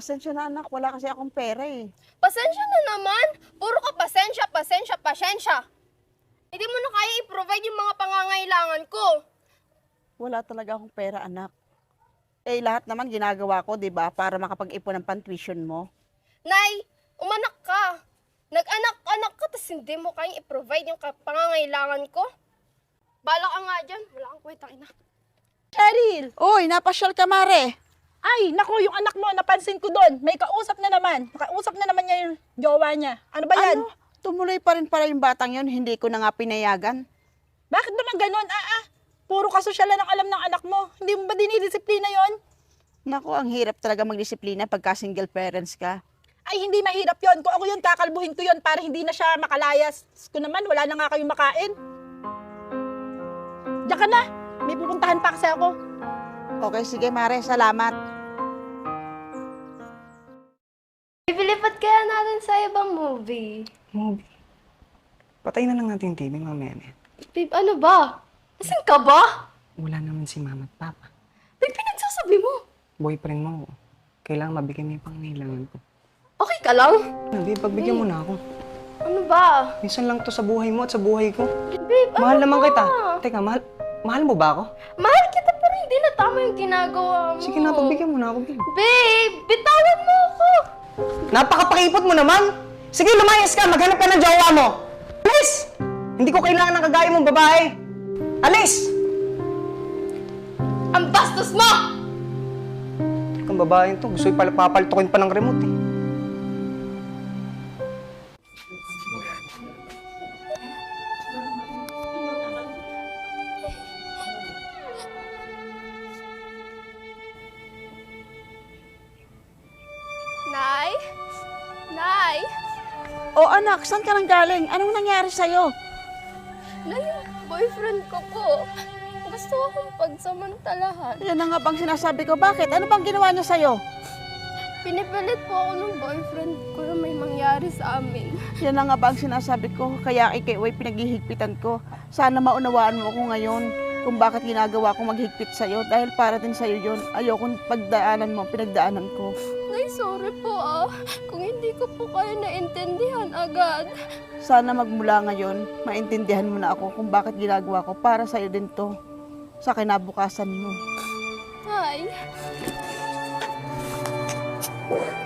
pasensya na anak, wala kasi akong pera eh. Pasensya na naman. Puro ka pasensya, pasensya, pasensya. Hindi mo na kaya i-provide yung mga pangangailangan ko. Wala talaga akong pera anak. Eh lahat naman ginagawa ko, 'di ba, para makapag-ipon ng pan-tuition mo. Nay, umanak ka. Nag-anak-anak ka, tapos hindi mo kaya i-provide yung pangangailangan ko. Bala ka nga dyan. Wala kang kwentang ina. Cheryl! Uy, napasyal ka mare. Ay, nako, yung anak mo, napansin ko doon. May kausap na naman. Nakausap na naman niya yung jowa niya. Ano ba yan? Ano? Tumuloy pa rin pala yung batang yon, hindi ko na nga pinayagan. Bakit naman ganun? Puro kasosyalan ang alam ng anak mo. Hindi mo ba dinidisiplina yon? Naku, ang hirap talaga magdisiplina pagka single parents ka. Ay, hindi mahirap yon. Kung ako yun, kakalbuhin ko yon para hindi na siya makalayas. Kung naman, wala na nga kayong makain. Diyan ka na. May pupuntahan pa kasi ako. Okay, sige mare, salamat. Ipilipat kaya natin sa ibang movie. Movie. Patay na lang natin yung TV mamaya na yan. Babe, ano ba? Asan ka ba? Wala naman si mama at papa. Babe, pinagsasabi mo. Boyfriend mo. Kailangan mabigyan mo yung pangangailangan ko. Okay ka lang? Babe, pagbigyan mo na ako. Ano ba? Minsan lang to sa buhay mo at sa buhay ko. Babe, Mahal ano naman ba? kita. Teka, mahal mo ba ako? Mahal kita pero hindi na tama yung ginagawa mo. Sige na, pagbigyan mo na ako, babe. Babe, bitawan mo ako. Napakapakipot mo naman! Sige, lumayas ka! Maghanap ka ng jowa mo! Alis! Hindi ko kailangan ng kagaya mong babae! Alis! Ang bastos mo! Kung babae to, gusto yung papaltukin pa ng remote eh. Nay? Nay? O anak, saan ka nang galing? Anong nangyari sa'yo? Nay, yung boyfriend ko po. Gusto akong pagsamantalahan. Yan na nga bang sinasabi ko. Bakit? Ano bang ginawa niya sa'yo? Pinipilit po ako ng boyfriend ko na may mangyari sa amin. Yan na nga ba ang sinasabi ko, kaya ikaw ay pinaghihigpitan ko. Sana maunawaan mo ako ngayon kung bakit ginagawa ko maghigpit sa'yo. Dahil para din sa'yo yun, ayokong pagdaanan mo, pinagdaanan ko. Nay, sorry po kung hindi ko po kayo naintindihan agad. Sana magmula ngayon, maintindihan mo na ako kung bakit ginagawa ko para sa'yo din to. Sa kinabukasan mo. Nay.